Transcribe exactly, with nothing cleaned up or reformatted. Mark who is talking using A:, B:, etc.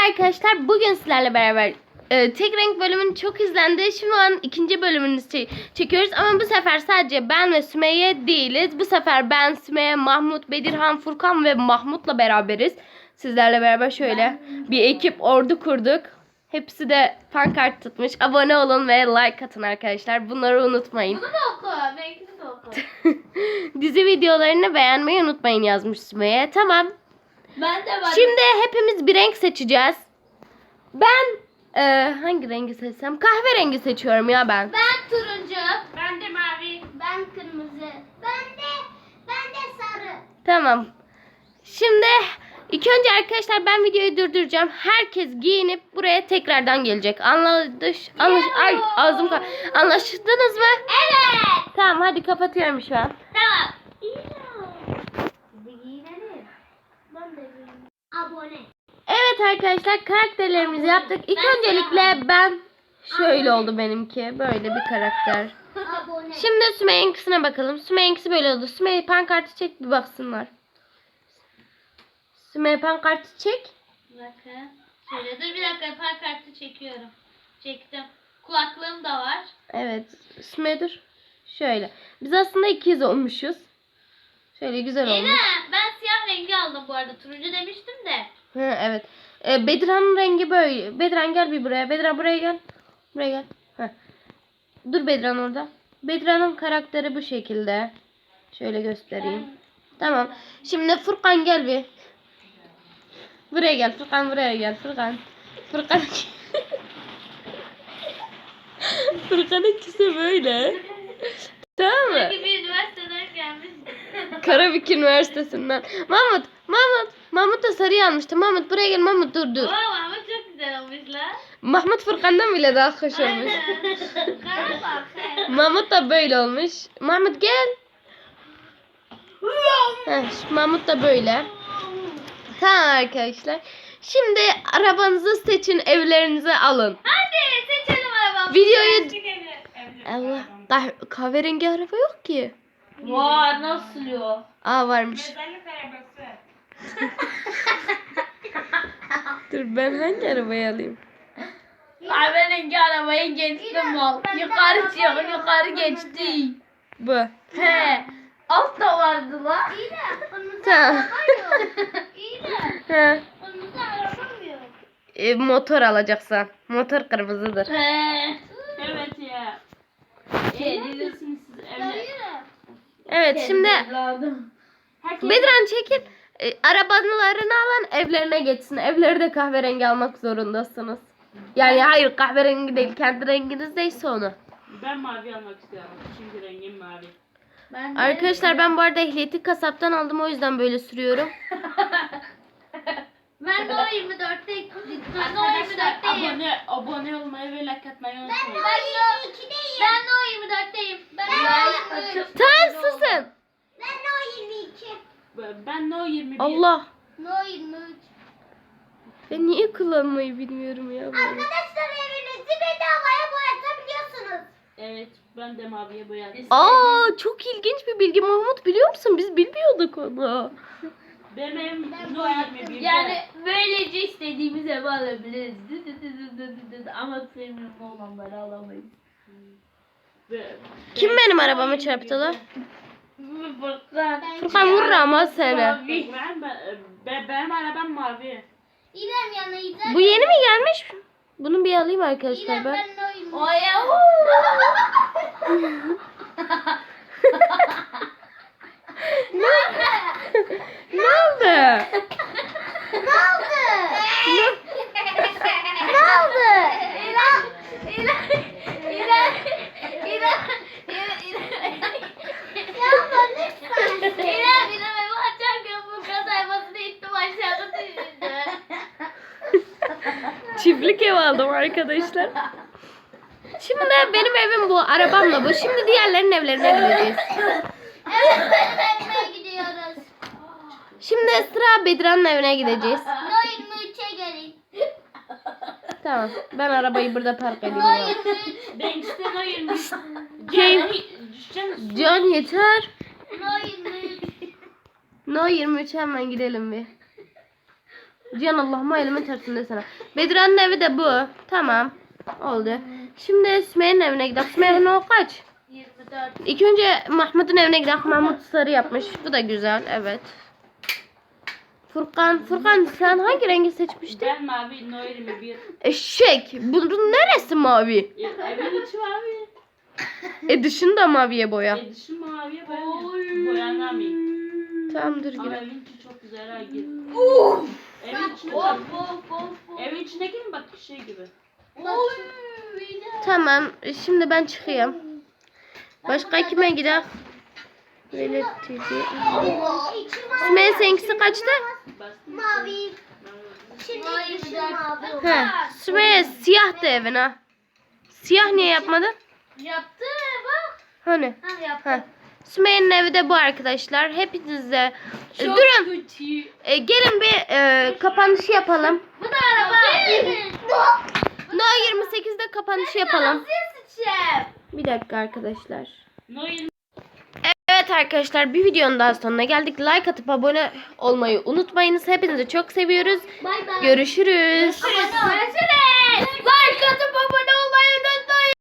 A: arkadaşlar, bugün sizlerle beraber e, tek renk bölümün çok izlendi. Şu an ikinci bölümünü çe- çekiyoruz ama bu sefer sadece ben ve Sümeyye değiliz. Bu sefer ben, Sümeyye, Mahmut, Bedirhan, Furkan ve Mahmut'la beraberiz. Sizlerle beraber şöyle bir ekip ordu kurduk. Hepsi de pankart tutmuş. Abone olun ve like atın arkadaşlar. Bunları unutmayın.
B: Bunu da oku. Benimkini de oku.
A: Dizi videolarını beğenmeyi unutmayın yazmış Sümeyye. Tamam.
B: Ben de var.
A: Şimdi hepimiz bir renk seçeceğiz. Ben e, hangi rengi seçsem? Kahverengi seçiyorum ya ben.
B: Ben turuncu. Ben de mavi. Ben kırmızı. Ben de ben de sarı.
A: Tamam. Şimdi ilk önce arkadaşlar ben videoyu durduracağım. Herkes giyinip buraya tekrardan gelecek. Anlaş, anlaş, ay ağzım ka- anlaştınız mı?
B: Evet.
A: Tamam, hadi kapatıyorum şu an.
B: Tamam. Biz giyinelim. Ben de giyineyim. Abone.
A: Evet arkadaşlar, karakterlerimizi yaptık. İlk
B: Ben
A: öncelikle ben şöyle oldu benimki. Böyle bir karakter.
B: Abone.
A: Şimdi Sümeyye'nkisine bakalım. Sümeyye'nkisi böyle oldu. Sümeyye pankartı çek bir baksınlar. Sümeyye pankartı çek.
B: Bakın. Şöyle dur bir dakika, pankartı çekiyorum. Çektim. Kulaklığım da var.
A: Evet. Sümeyye dur. Şöyle. Biz aslında ikiz olmuşuz. Şöyle güzel olmuş.
B: Ela, ben siyah rengi aldım bu arada. Turuncu demiştim de.
A: Hı, evet. Ee, Bedirhan'ın rengi böyle. Bedirhan gel bir buraya. Bedirhan buraya gel. Buraya gel. Heh. Dur Bedirhan orada. Bedirhan'ın karakteri bu şekilde. Şöyle göstereyim. Tamam. Şimdi Furkan gel bir. Buraya gel Furkan, buraya gel Furkan. Furkan. Furkan ikisi böyle. Tamam mı?
B: Sanki bir üniversiteden gelmiş.
A: Karabük Üniversitesi'nden. Mahmut, Mahmut. Mahmut da sarı almıştı. Mahmut buraya gel, Mahmut dur dur.
B: Oo, ama çok güzel olmuş lan.
A: Mahmut Furkan'dan bile daha hoş olmuş.
B: Kara bak.
A: Mahmut da böyle olmuş. Mahmut gel. Heh, Mahmut da böyle. Tamam arkadaşlar. Şimdi arabanızı seçin, evlerinize alın.
B: Hadi seçelim arabamızı.
A: Videoyu... Allah, kah- kahverengi araba yok ki.
B: Var, nasıl yok?
A: Aa, varmış. Dur, ben hangi arabayı alayım?
B: Kahverengi arabayı geçtim mal. Yukarı çıkıyor, yukarı geçti.
A: Bu.
B: He. Alt da vardı la. İyi de.
A: Tamam.
B: İyi de.
A: He.
B: Önümüzde araba mı yok?
A: E, motor alacaksan. Motor kırmızıdır.
B: He. Evet ya. Eee diyorsunuz siz evde.
A: Evet, şimdi Bedran çekip e, arabalarını alan evlerine geçsin. Evleri de kahverengi almak zorundasınız. Yani hayır, kahverengi değil, kendi renginiz neyse onu.
C: Ben mavi almak istiyorum. Çünkü rengim mavi.
B: Ben de-
A: Arkadaşlar, ben bu arada ehliyeti kasaptan aldım, o yüzden böyle sürüyorum.
B: Ben de o yirmi dörtteyim. Ben de o yirmi
C: Arkadaşlar
B: dörtteyim.
C: abone, abone olmayı ve like atmayı unutmayın.
B: Ben de Ben de o yirmi dörtteyim. Ben de o yirmi üç.
A: Tamam, susun.
B: Ben de o yirmi iki.
C: Ben no yirmi bir.
A: Allah.
B: No yirmi üç.
A: Ben niye kullanmayı bilmiyorum ya. Böyle.
B: Arkadaşlar evinizi bedavaya boyatabiliyorsunuz.
C: Evet, ben de maviye boyadım.
A: Aa, çok ilginç bir bilgi Mahmut, biliyor musun? Biz bilmiyorduk onu.
C: Benim evim no yirmi bir.
B: Yani böylece istediğimiz evi alabiliriz. Dı dı dı dı dı dı. Ama premium olanları alamayız.
A: Kim benim arabamı çarptı lan?
B: Furkan.
A: Furkan vurur ama seni.
C: Ben, ben, benim arabam mavi.
B: İrem yana İrem.
A: Bu yeni mi gelmiş? Bunu bir alayım arkadaşlar
B: İrem
A: ben.
B: ben no yirmi üç. Oya.
A: Ne? Ne oldu?
B: Ne oldu? Ne oldu? İrem. İrem. İrem. İrem. Yapma lütfen. İrem. İrem evi açarken bu kasaymasını ittim aşağıda düşürdü.
A: Çiftlik ev aldım arkadaşlar. Şimdi benim evim bu, arabamla bu. Şimdi diğerlerinin evlerine gideceğiz.
B: Evet, benim evime gidiyoruz.
A: Şimdi sıra Bedirhan'ın evine gideceğiz.
B: No yirmi üçe gelin.
A: Tamam, ben arabayı burada park edeyim
B: No
A: ya.
B: yirmi üç.
C: Ben işte no yirmi üç.
A: Şey-
C: Düşeceğim.
A: Can yeter.
B: No yirmi üç.
A: No yirmi üç, hemen gidelim bir. Cihan Allah'ıma elimin tersinde sana. Bedirhan'ın evi de bu. Tamam. Oldu. Şimdi Sümeyye'nin evine gidelim. Sümeyye'nin o kaç?
B: yirmi dört.
A: İlk önce Mahmut'un evine gidelim. Mahmut sarı yapmış. Bu da güzel. Evet. Furkan. Furkan sen hangi rengi seçmiştin?
C: Ben mavi no yirmi bir.
A: Eşek. Bunun neresi mavi?
C: E, evin içi mavi.
A: E dışını da maviye boya.
C: E dışı maviye boyanıyor. Boyanamıyor.
A: Tamam dur
C: Ama
A: gir.
C: evin içi çok güzel ha gir. Evin içine
B: Of
C: bak.
B: of of of.
C: Evin içine girin bak şey gibi.
B: Oy.
A: Tamam. Şimdi ben çıkayım. Başka kime gidelim? Böyle T V. Sümeyye seninkisi kaçtı?
C: Bastım.
D: Mavi. Şimdi
B: Mavi
D: yeşil
B: dört.
D: mavi.
A: He. Sümeyye siyah da evin ha. Siyah niye yapmadın?
B: Yaptı bak.
A: Hani?
B: Ha yaptı.
A: Ha. Sümeyye'nin evi de bu arkadaşlar. Hepinize e,
C: Çok
A: durun.
C: kötü.
A: E, gelin bir e, kapanışı yapalım.
B: Bu da araba.
A: No yirmi sekizde kapanışı yapalım.
B: Şef.
A: Bir dakika arkadaşlar.
C: No yirmi
A: Evet arkadaşlar bir videonun daha sonuna geldik. Like atıp abone olmayı unutmayınız. Hepinizi çok seviyoruz.
D: Bay bay.
A: Görüşürüz.
B: Ama söylesene.